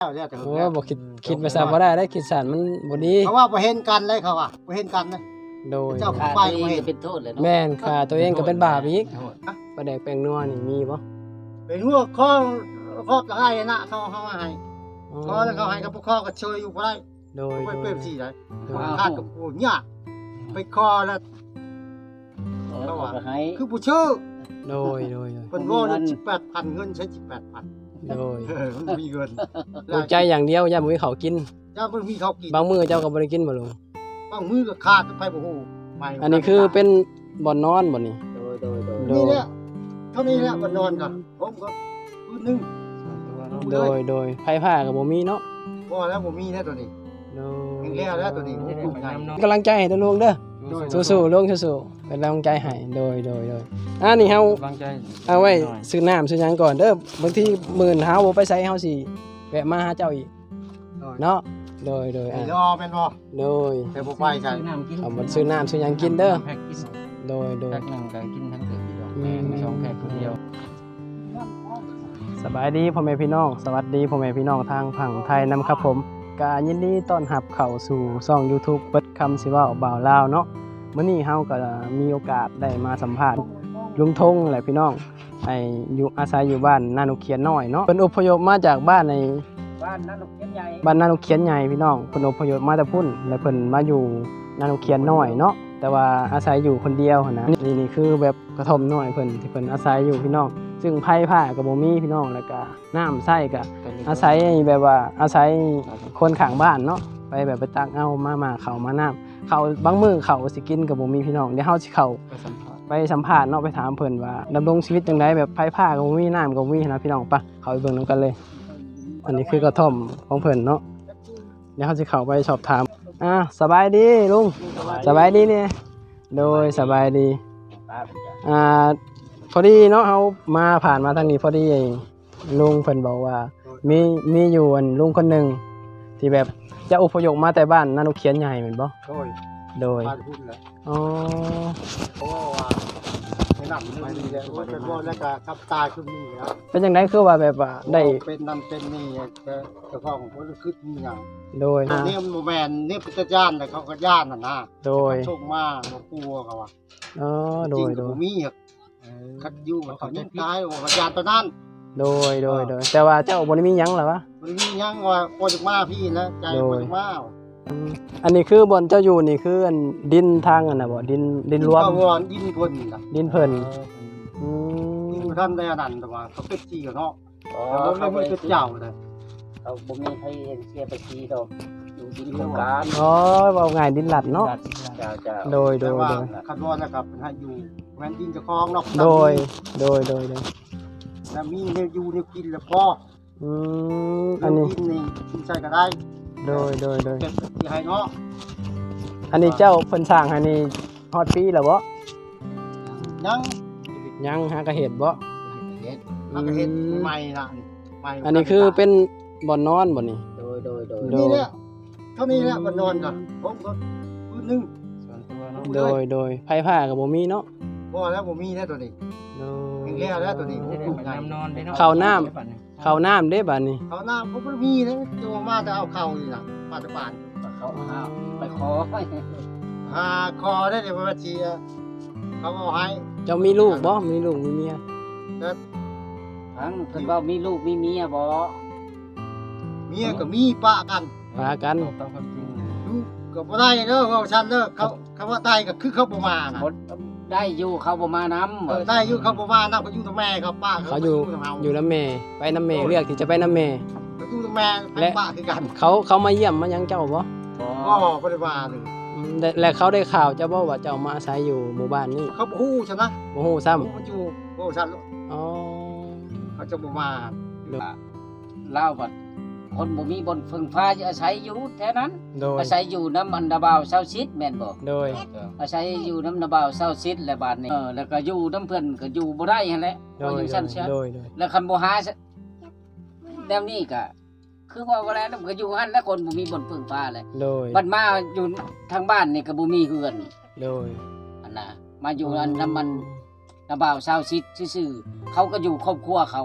โอ้บ่คิดภาษาบ่ได้คิดสารมันบ่ดีเขาว่าบ่เห็นกันเลยเขาว่าบ่เห็นกันนะโดยเจ้าผู้ไปบ่เห็นเป็นโทษเลยเนาะแม่นค่ะตัวเองก็เป็นบาปอีกปลาแดกแป้งนัวนี่มีบ่เป็นหัวข้อก็ให้นะเขาให้ข้อแล้วเขาให้กับพวกข้อก็เชยอยู่บ่ได้โดยไปเปิ้มสิได้คาดกับผู้ยากไปคอแล้วเขาว่าคือผู้ชื่อโดยเพิ่นว่า18,000เงินใช้ 18,000 โดยมันมีเงินใจอย่างเดียวอย่าบ่มีเขากินจ้าบ่มีเขากินบางมื้อเจ้าก็บ่ได้กินบ่ลุงบางมื้อก็ขาดไปบ่ฮู้อันนี้คือเป็นบ่อนนอนบ่นี่นี่แหละเท่านี้แหละบ่นอนกันผมก็คืนนึงโดยไผผ้าก็บ่มีเนาะบ่แล้วบ่มีแน่ตัวนี้แห้งแล้วตัวนี้กำลังใจให้ตัวลุงเด้อสู้ๆลุงสู้ๆเป็นกำลังใจให้โดยนี่เฮาเอาไว้ซื้อน้ำซื้อหยังก่อนเด้อบางทีมื้อเฮาบ่ไปไสเฮาสิแวะมาหาเจ้าอีกเนาะโดยรอเป็นบ่โดยแต่บ่ไปใช่เอาบ่ซื้อน้ำซื้อหยังกินเด้อโดยแพ็คนึงก็กินทั้งเดือนอยู่ดอกแม่2แพ็คคนเดียวสบายดีพ่อแม่พี่น้องสวัสดีพ่อแม่พี่น้องทางฝั่งไทยนำครับผมกายินดีต้อนรับเข้าสู่ช่อง YouTube เปิดคำสิเว้าบ่าวลาวเนาะมื้อนี้เฮาก็มีโอกาสได้มาสัมภาษณ์ลุงทงแหละพี่น้องอยู่อาศัยอยู่บ้านนานุเขียนน้อยเนาะเพิ่นอพยพมาจากบ้านในบ้านนานุเขียนใหญ่พี่น้องเพิ่นอพยพมาจากพุ่นแล้วเพิ่นมาอยู่นานุเขียนน้อยเนาะแต่ว่าอาศัยอยู่คนเดียวนะนี่คือแบบกระท่อมน้อยเพิ่นที่เพิ่นอาศัยอยู่พี่น้องซึ่งไผผ้าก็บ่มีพี่น้องแล้วก็น้ำใช้ก็อาศัยแบบว่าอาศัยคนข้างบ้านเนาะไปแบบไปตักเอามาเข้ามาน้ำเขาบางมื้อเขาสิกินก็บ่มีพี่น้องเดี๋ยวเฮาสิเข้าไปสัมภาษณ์เนาะไปถามเพิ่นว่าดำรงชีวิตจังไดแบบไผผ้าก็บ่มีน้ำก็บ่มีนะพี่น้องปะเข้าไปเบิ่งนำกันเลยอันนี้คือกระท่อมของเพิ่นเนาะเดี๋ยวเฮาสิเข้าไปสอบถามสบายดีลุงสบายดีเนี่ยโดยสบายดีพอดีเนาะเฮามาผ่านมาทางนี้พอดีลุงเพิ่นบอกว่ามีอยู่ลุงคนนึงที่แบบจะอพยพมาแต่บ้านนานุเขียนใหญ่แม่นบ่โดยบ้านพุ่นแหละอ๋อเพราะว่าแนะนำไปนี่แหละว่าเป็นบ่แล้วก็กับตาคือนี่ครับเป็นจังได๋คือว่าแบบว่าได้เป็นนั่นเป็นนี่เจ้าของเพิ่นคือมีหยังโดยนี่มันบ่แม่นนี่เป็นย่านแต่เขาก็ย่านนั่นนะโดยส่งมาบ่กลัวเขาว่าโดยบ่มีคัดอยู่เขายิงตายว่าย่านตอนนั้นโดยแต่ว่าเจ้าบ่ได้มีหยังหรอวะบ่ได้มีหยังว่าบ่จักมาพี่นะใจบ่จักมาอันนี้คือบ่อนเจ้าอยู่นี่คืออันดินทางอันน่ะบ่ดินรวมดินเพิ่นน่ะดินเพิ่นดินท่านได้อันนั้นแต่ว่าเขาเป็ดจี้เนาะแล้วบ่มีเป็ดเจ้าเลยเขาบ่มีใครเห็นเสียไปจี้ดอกอยู่ดินโครงการเว้าง่ายดินหลัดเนาะโดยคันว่านะครับให้อยู่แม่นดินเจ้าของเนาะโดยแล้วมีแนวอยู่แนวกินแล้วพออันนี้กินใส่ก็ได้โดยเก็บที่ให้เนาะอันนี้เจ้าเพิ่นสร้างให้นี่ฮอดปีแล้วบ่ยังหากระเฮ็ดบ่หากระเฮ็ดใหม่ล่ะอันนี้คือเป็นบ่อนนอนบ่นี่โดยนี่แหละเท่านี้แหละบ่นอนกันผมก็คืนนึงโดยไผผ้าก็บ่มีเนาะบ่แล้วบ่มีแน่ตัวนี้แห้งแล้วตัวนี้น้ำนอนได้เนาะข้าวน้ำเด้บัดนี้ข้าวน้ำผมบ่มีนะตัวมาแต่เอาเข้านี่ล่ะมาแต่บ้านเขาไปขอคอได้เดี๋ยวมาชี้เขาเอาให้เจ้ามีลูกบ่มีลูกมีเมียทั้งเพิ่นว่ามีลูกมีเมียบ่เมียก็มีปะกันตามความจริงลูกก็บ่ได้เด้อเว้าซั่นเด้อเขาว่าได้ก็คือเขาบ่มาน่ะได้อยู่เขาบ่มานำได้อยู่เขาบ่มานำเขาอยู่กับแม่เขาป้าเขาอยู่นำแม่ไปนำแม่เลือกที่จะไปนำแม่ก็อยู่กับแม่ไปป้าคือกันเขามาเยี่ยมมายังเจ้าบ่บ่ได้ว่าเลยและเขาได้ข่าวเจ้าบ่ว่าเจ้ามาอาศัยอยู่หมู่บ้านนี้เขาบ่ฮู้ซั่นนะบ่ฮู้ซ้ำเขาอยู่บ่ซั่นเขาจะบ่มาลาวบัดคนบ่มีบนพึ่งพาจะอาศัยอยู่แท้นั้นอาศัยอยู่น้ำอันดาบ่าวเซาซิดแม่นบ่โดยอาศัยอยู่น้ำนาบ่าวเซาซิดและบาดนี้แล้วก็อยู่น้ำเพิ่นก็อยู่บ่ได้หั่นแหละเพราะจังซั่นเสียแล้วคันบ่หาแนวนี้ก็คือว่าบ่แล้วก็อยู่หั่นแล้วคนบ่มีบนพึ่งพาเลยบัดมาอยู่ทางบ้านนี่ก็บ่มีเฮือนอันน่ะมาอยู่อันน้ำมันนาบ่าวเซาซิดซื่อๆเขาก็อยู่ครอบครัวเขา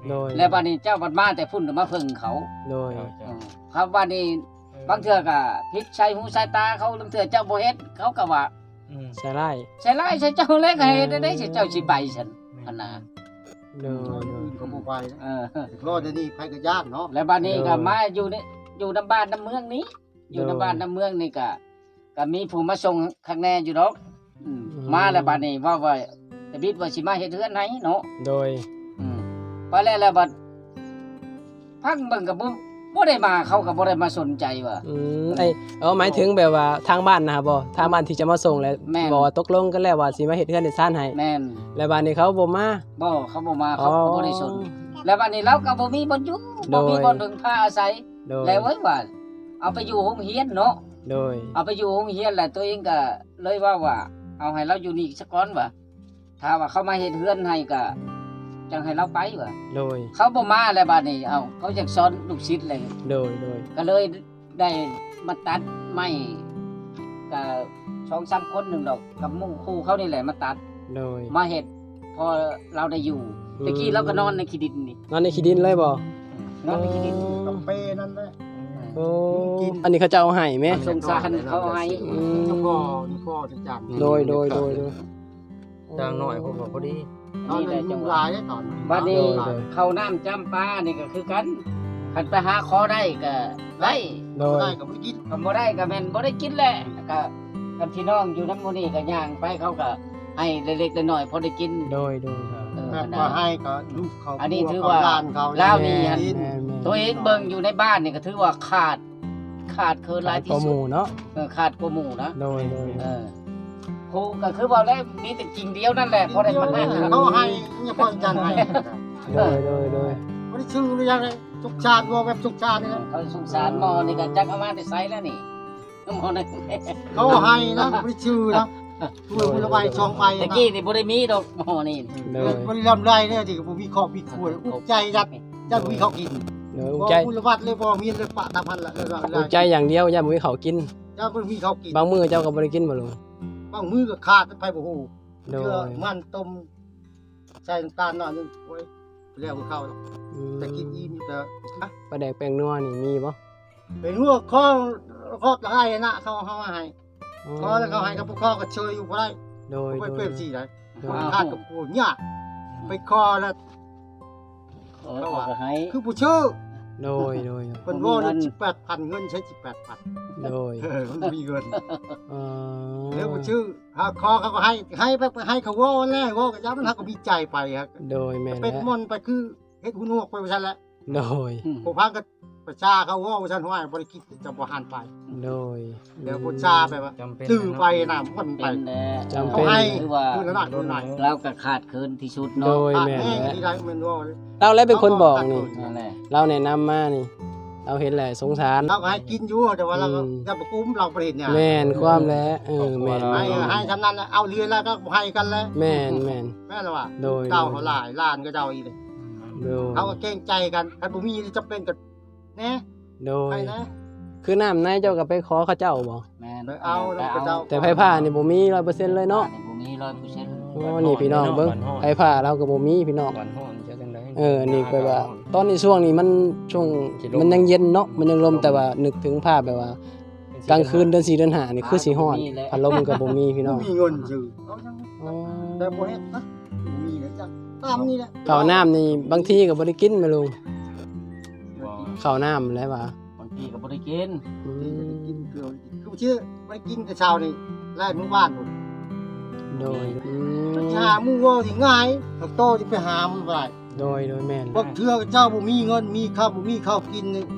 โดยแล้วบัดนี้เจ้าบัดมาแต่พุ่นมาเพิ่งเขาโดยครับบัดนี้บางเทื่อก็พิษใช้หูใช้ตาเขาบางเทื่อเจ้าบ่เฮ็ดเขาก็ว่าใช่ไร่ใช่ไรใช่เจ้าเล็กให้ได้ใช่เจ้าสิไปฉันอันน่ะโดยก็บ่ไปนะเออรอดนี่ไผก็ย่านเนาะแล้วบัดนี้ก็มาอยู่นี่อยู่นำบ้านนำเมืองนี้ อยู่นำบ้านนำเมืองนี่ก็มีผู้มาส่งข้างแน่อยู่ดอกมาแล้วบัดนี้ว่าแต่บิดว่าสิมาเฮ็ดเฮือนไหนเนาะโดยไปแล้วบัดพักเบิ่งก็บ่ได้มาเขาก็บ่ได้มาสนใจว่าหมายถึงแบบว่าทางบ้านนะครับบ่ทางบ้านที่จะมาส่งแล้วแม่นบอกว่าตกลงกันแล้วว่าสิมาเฮ็ดเฮือนเฮ็ดซ่านให้แม่นแล้วบ้านนี้เขาบ่มาบ่เขาบ่มาเขาก็บ่ได้สนแล้วบัดนี้เราก็บ่มีบ่อยู่บ่มีบ่ถึงพาอาศัยโดยแล้วไว้ว่าเอาไปอยู่โรงเรียนเนาะโดยเอาไปอยู่โรงเรียนแหละตัวเองก็เลยว่าเอาให้เราอยู่นี่สักก่อนว่าถ้าว่าเขามาเฮ็ดเฮือนให้ก็จังให้เราไปว่าโดยเขาบ่มาแล้วบัดนี้เอาเขาอยากสอนลูกศิษย์เลยโดยก็เลยได้มาตัดไม้ก็2-3คนหนึงดอกกับหมู่ครูเขานี่แหละมาตัดโดยมาเฮ็ดพอเราได้อยู่ตะกี้เราก็นอนในขี้ดินนี่นอนในขี้ดินเลยบ่นอนในขี้ดินกับเปนั่นแหละโอ้อันนี้เขาจะเอาให้แม่สงสารเขาให้แล้วก็นี่พ่อจะจัดโดยจางหน่อยผมก็พอดีตอนนั้นยุงลายได้ตอนบัดนี้โดยเข้าน้ำจำปานี่ก็คือกันคันไปหาขอได้ก็ได้โดยได้กับไม่กินคำบ่ได้ก็แม่นบ่ได้กินแหละก็กับพี่น้องอยู่นำหมู่นี้ก็ย่างไปเขาก็ให้เล็กๆน้อยๆพอได้กินโดยแม่ก็ให้ก็ลูกเขาอันนี้ถือว่าลานเขาลาวนี่แม่ตัวเองเบิ่งอยู่ในบ้านนี่ก็ถือว่าขาดเคินหลายที่ข้อสุมูดลเนาะขาดกว่าหมู่นะโดยครูก็คือว่าแล้วมีแต่จริงเดียวนั่นแหละพอได้มาให้เขาให้เนี่ยพ่อจันให้โดยไม่ได้ชื่อหรือยังเลยทุกชาติว่าแบบทุกชาตินี่นะเขาสงสารหมอนี่ก็จักเอามาแต่ไสแล้วนี่หมอนั่นเขาให้นะไม่ได้ชื่อนะช่วยบุรใบช่องใบตะนะกี้นี่บ่ได้มีดอกหมอนี่โดยไม่ได้ลำไรเนี่ยที่ผมมีขอบมีขวดอุกใจยัดมีเขากินโดยบอใจบุรวัดเลยบอมีเลยปะตาพันละเลยใจอย่างเดียวอย่าบ่มีเขากินยัดมีเขากินบางมื้อเจ้าก็บ่ได้กินบ่ลุงบางมือก็ขาดไปบ่ฮู้โดเชื่อย มันต้มใส่น้ำตาลหน่อยนึงโอ้ยแล้วก็เข้าแต่กินอิ่มแต่ปลาแดกแป้งนัวนี่มีบ่เป็นหัวข้อให้นะเขาให้ข้อแล้วเขาให้กับพวกข้อก็เชยอยู่บ่ได้โดยไปเปรี้ยวสิได้โดยขาดกับกูยากไปคอแล้วเขาก็ให้คือผู้ชื่อโดยเพิ่นว่านี่18,000เงินใช้ 18,000 โดยมันมีเงินอ๋อแล้วผู้ชื่อหาคอเขาก็ให้ไปให้เขาว่าแล้วว่าก็ยับมันก็มีใจไปครับโดยแม่นเป็นแล้วมอนไปคือเฮ็ดหูหนวกไปว่าซั่นแหละโดยผู้พังก็ประชาเขาว่าว่าซั่นว่าบ่ได้คิดจะบ่หันไปโดยแล้วผู้ชาไปว่าจำเป็นตื้อไปน่ะมันไปเป็นแน่จำเขาเป็นให้คือว่าคือหน่อยโดนหน่อยเราก็ขาดเคินที่สุดโดเนาะยขาดแม่นแห้งแล้วที่ได้มันว่าเราแล้วเป็นคนบอกนี่นั่นแหละเราแนะนำมานี่ เราเห็นแหละสงสารเราก็ให้กินอยู่แต่ว่าเราก็จะบ่กุ้มเราบ่เห็นเนี่ยแม่นความแล้วแม่นให้ทำนั้นเอาเรือนแล้วก็ให้กันแล้วแม่นแม่ล่ะว่าโดยเก่าเขาหลายล้านก็เจ้าอีกเลยโดยเขาก็เกรงใจกันถ้าบ่มีจำเป็นก็แน่โดไปยนะคือน้ำในเจ้าก็ไปขอเขาเจ้าบ่แม่นไปเอาแล้วก็เจ้าแต่ไผผ้านี่บ่มี 100% เลยเนาะบ่มี 100% โอ้นี่พี่น้องเบิ่งไผผ้าเราก็บ่มีพี่น้องก่อนห้อนจะจังได๋นี่ก็ว่า ตอนนี้ช่วงนี้มันช่วงมันยังเย็นเนาะมันยังลมแต่ว่านึกถึงภาพแบบว่า กลางคืนเดือน4เดือน5นี่คือสิฮ้อนพัดลมก็บ่มีพี่น้องมีเงินซื้อเอาจังอ๋อแต่บ่เฮ็ดนะบ่มีแล้วจ้ะตามนี่แหละข้าวน้ำนี่บางทีก็บ่ได้กินแม่ลุงบ่ข้าวน้ำแล้วว่าบางทีก็บ่ได้กินอืกิมนเกลือคือชื่อไปกินแต่เช้านี่ไล่หมู่บ้านพุ่นโดยหาหมู่ว่าสิง่ายเอาโตสิไปหามันบ่ได้โดยแม่นพวกเทื่อเจ้าบ่มีเงินมีข้าวบ่มีข้าวกินนี่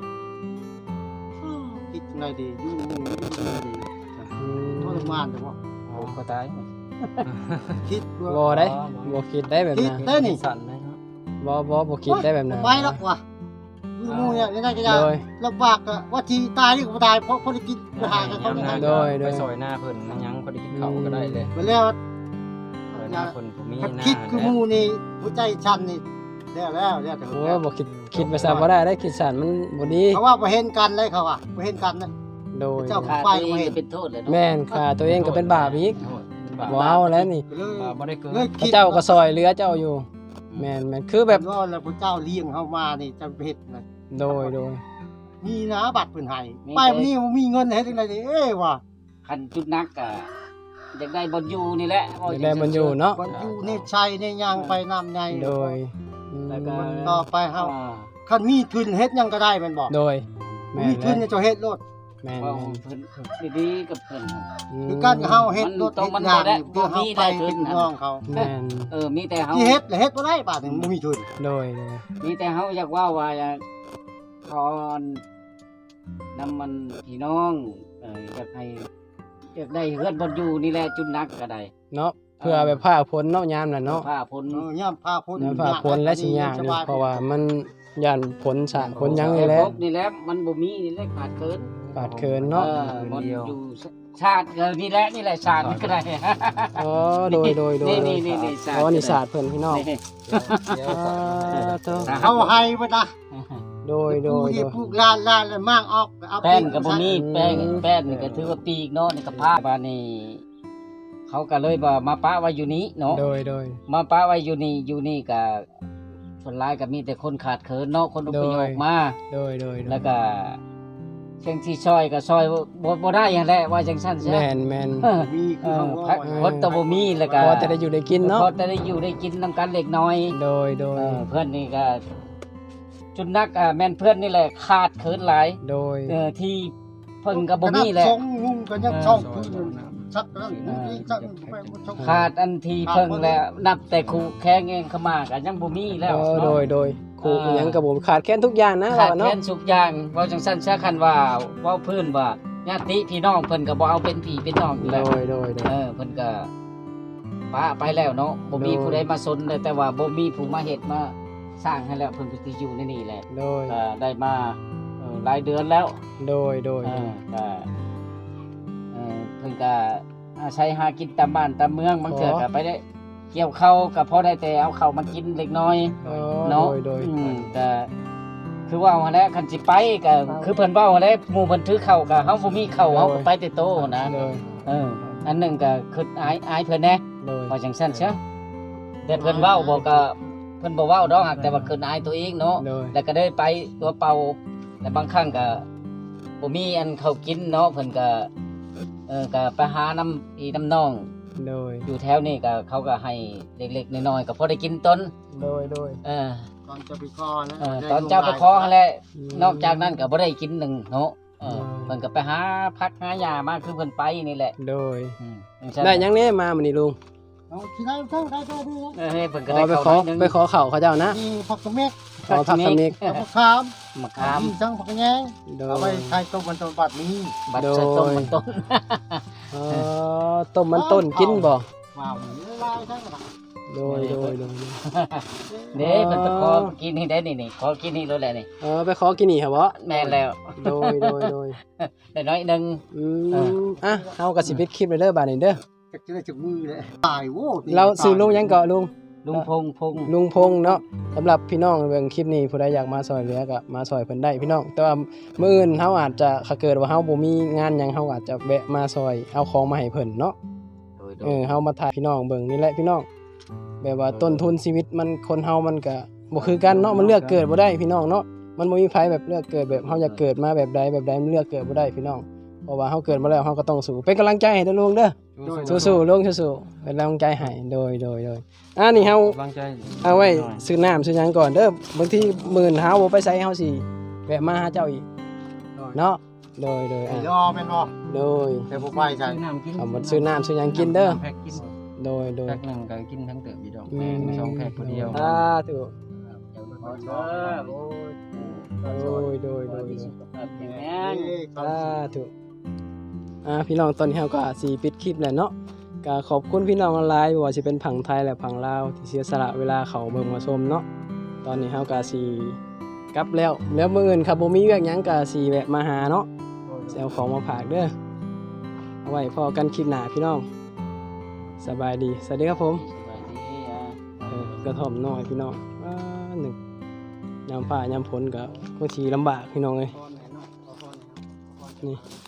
คิดจังไดดีอยู่จังไดดีทรมานแต่ว่าผมก็ตายคิดว่าบ่ได้บ่คิดได้แบบคิดนั้นได้นี่สั่นนะครับบ่คิดได้แบบนั้นไปแล้วว่ะอยู่หมู่เนี่ยยังไงก็จะโดยลำบากอะว่าที่ตายนี่ก็บ่ตายเพราะได้กินไปหากับเขาเนี่ยโดยไปซอยหน้าเพิ่นมันยังพอได้กินข้าวก็ได้เลยไปแล้วซอยหน้าเพิ่นผมมีหถ้าน้าคิดคือหมู่นี่หัวใจชันนี่แล้วแต่โอ้บ่คิดไปซะบ่ได้คิดสั่นมันบ่ดีเขาว่าบ่เห็นกันเลยเขาว่าบ่เห็นกันนะโดยเจ้าขาดไปตัวเองบ่เห็นเป็นโทษเลยเนาะแม่นค่าตัวเองก็เป็นบาปอีกบ่เอาแล้วนี่เลยบ่ได้เกินเลยพระคิดเจ้าก็ซอยเหลือเจ้าอยู่แม่นคือแบบว่าแล้วพระเจ้าเลี้ยงเฮามานี่จะเฮ็ดน่ะโดยมีนะบัตรเพิ่นให้ไปมื้อนี้บ่มีเงินเฮ็ดจังได๋เอ้ยว่ะคันจุดนักก็อยากได้บนอยู่นี่แหละอยากได้บนอยู่เนาะบ่อยู่ในชัยในยางไปน้ำใหญ่โดยอืมแล้วก็ต่อไปเฮาคันมีทุนเฮ็ดหยังก็ได้แม่นบ่โดยแม่มีนทุนเนี่ยจะเฮ็ดโลดแม่นเว้าแม่นเพิ่นดีๆกับเพิ่นคือการเฮาเฮ็ดโลดมันเฮ็ดงานบ่ได้เพื่อเฮาไปบ่มีได้ทุนเป็นน้องเขาแม่นมีแต่เฮาที่เฮ็ดแล้วเฮ็ดบ่ได้บาดนี้บ่มีทุนโดยมีแต่เฮาอยากว่าอยากขอนำมันพี่น้องอยากให้อยากได้เฮือนบนอยู่นี่แหละจุดนักก็ได้เนาะเพื่อแบบผ้าพ้นเนาะยามน่ะเนาะผ้าพ้นยามพาพ้นยามผ้าพ้นและสิยากนี่เพราะว่ามันย่านพ้นสะพ้นหยังนี่แหละครบนี่แหละมันบ่มีนี่แหละขาดเกินขาดเคินเนาะบนอยู่ชาตินี่แหละชาตินี่ก็ได้อ๋อโดยนี่ศาสตร์อ๋อนี่ศาสตร์เพิ่นพี่น้องนี่เธอเขาให้บ่นะโดยปลูกลานแล้วมากออกเอาแป้นกับบ่มีแป้นนี่ก็ถือว่าปีกเนาะนี่ก็ผ้าบานี่เขาก็เลยว่ามาปะไว้อยู่นี้เนาะโดยมาปะไว้อยู่นี่ก็ส่วนหลายก็มีแต่คนขาดเขินเนาะคนอพยพมาโดยแล้วก็เชิงที่ซอยก็ซอยบ่ได้อย่างแหละว่าจังซั่นใช่แม่นมีคือเขาว่าคนตะบ่มีแล้วก็พอจะได้อยู่ได้กินเนาะพอจะได้อยู่ได้กินนํกันเล็กน้อยโดยเพื่อนนี่ก็จุดนักแม่นเพื่อนนี่แหละขาดเขินหลายโดยที่เพิ่นก็บ่มีแหละส่งงุ่มก็ยังช่องพื้นสักแล้วนี่จักไปบ่ช่องขาดอันที่เพิ่งแล้วนับแต่ครูแข้งเองเข้ามาก็ยังบ่มีแล้วโดยครูอิหยังกับผมขาดแค่นทุกอย่างนะขาดเนาะแค้นสุกอย่างเว้าจังซั่นซะคันว่าเว้าพื้นว่าญาติพี่น้องเพิ่นก็บ่เอาเป็นพี่เป็นน้องอยู่แล้วโดยเพิ่นก็ป้าไปแล้วเนาะบ่มีผู้ใดมาสนเลยแต่ว่าบ่มีผู้มาเฮ็ดมาสร้างให้แล้วเพิ่นก็สิอยู่ในนี่แหละโดยก็ได้มาหลายเดือนแล้วโดยก็เพิ่นก็อาศัยหากินตามบ้านตามเมืองบางเทื่อก็ไปได้เกี่ยวข้าวก็พอได้แต่เอาข้าวมากินเล็กน้อยเนาะโดยก็คือว่าหั่นแหละคันสิไปก็คือเพิ่นเว้าหั่นแหละหมู่เพิ่นถือข้าวก็เฮาบ่มีข้าวเฮาก็ไปแต่โตนะโดยอันหนึงก็คืออายเพิ่นแหน่โดยว่าจังซั่นซะแต่เพิ่นเว้าบ่ก็เพิ่นบ่เว้าดอกหักแต่ว่าคืออายตัวเองเนาะโดยแล้วก็ได้ไปตัวเป่าแต่บางครั้งก็บ่มีอันเขากินเนาะเพิ่นก็ก็ไปหาน้ำพี่น้ำน้องโดยอยู่แถวนี้ก็เขาก็ให้เล็กๆน้อยๆก็พอได้กินต้นโดยตอนจะไปคอนะตอนเจ้าไปขอหั่นแหละนอกจากนั้นก็บ่ได้กินหนึ่งเนาะเพิ่นก็ไปหาผักหาหญ้ามาคือเพิ่นไปนี่แหละโดยจังซั่นได้ยังแน่มามื้อนี้ลุงเอาที่ไหนเท่าได้เท่านี้นะเพิ่นก็อ๋ได้อไปเข้าขอหน่อยหนึงไปขอข้าวเขาเจ้านะมีผักกระเม็ดขอผักสมิกผักขามมะขามมีจังผักกระแยงโดเอาไปยใช้ต้มมันต้มบัดนี้บัดใส่ต้มมันต้นต้มมันต้นกินบ่ว้าวลายทั้งหมดโดยเด้เพิ่นไปขอกินนี่ได้นี่ขอกินนี่แล้วแหละนี่ไปขอกินนี่ครับบ่แม่นแล้วโดยได้น้อยหนึงเฮาก็สิปิดคลิปเลยเด้อบาดนี้เด้อจะได้จากมือเลยตายโว้เราซื้อลุงหยังเกาะลุงลุงพงพงลุงพงษ์เนาะสำหรับพี่น้องเบิ่งคลิปนี้ผู้ใดอยากมาซอยเหลือก็มาซอยเพิ่นได้พี่น้องแต่ว่ามื้ออื่นเฮาอาจจะถ้าเกิดว่าเฮาบ่มีงานหยังเฮาอาจจะแวะมาซอยเอาของมาให้เพิ่นเนาะโดยเฮามาถ่ายพี่น้องเบิ่งนี่แหละพี่น้องแบบว่าต้นทุนชีวิตมันคนเฮามันก็บ่คือกันเนาะมันเลือกเกิดบ่ได้พี่น้องเนาะมันบ่มีไผแบบเลือกเกิดแบบเฮาอยากเกิดมาแบบใดมันเลือกเกิดบ่ได้พี่น้องเพราะว่าเฮาเกิดมาแล้วเฮาก็ต้องสู้เป็นกำลังใจให้เด้อลุงเด้อสู้ๆลุงสู้ๆเป็นกำลังใจให้โดยนี่เฮาวางใจเอาไว้ซื้อน้ำซื้อหยังก่อนเด้อบางทีมื้อเฮาบ่ไปใส่เฮาสิแวะมาหาเจ้าอีกเนาะโดยรอแม่นบ่โดยแต่บ่ไปใช่เอามาซื้อน้ำซื้อหยังกินเด้อแพ็กกินโดยแพ็กหนึงก็กินทั้งเติบอีดอกอืมสองแพ็กคนเดียวถูก โดยสุขภาพแข็งแรงถูกพี่น้องตอนนี้เราก็สิปิดคลิปแล้วเนาะก็ขอบคุณพี่น้องออนไลน์บ่ว่าสิเป็นผังไทยและผังลาวที่เสียสละเวลาเขาเบิ่งมาชมเนาะตอนนี้เราก็สิกลับแล้วมื้ออื่นครับบ่มีเวียกหยังก็สิแวะมาหาเนาะสิเอาของมาฝากเด้อเอาไว้พอกันคลิปหน้าพี่น้องสบายดีสวัสดีครับผมสวัสดีกระท่อมน้อยพี่น้องหนึ่งยามฟ้ายามฝนก็บางทีลำบากพี่น้องเลยนี่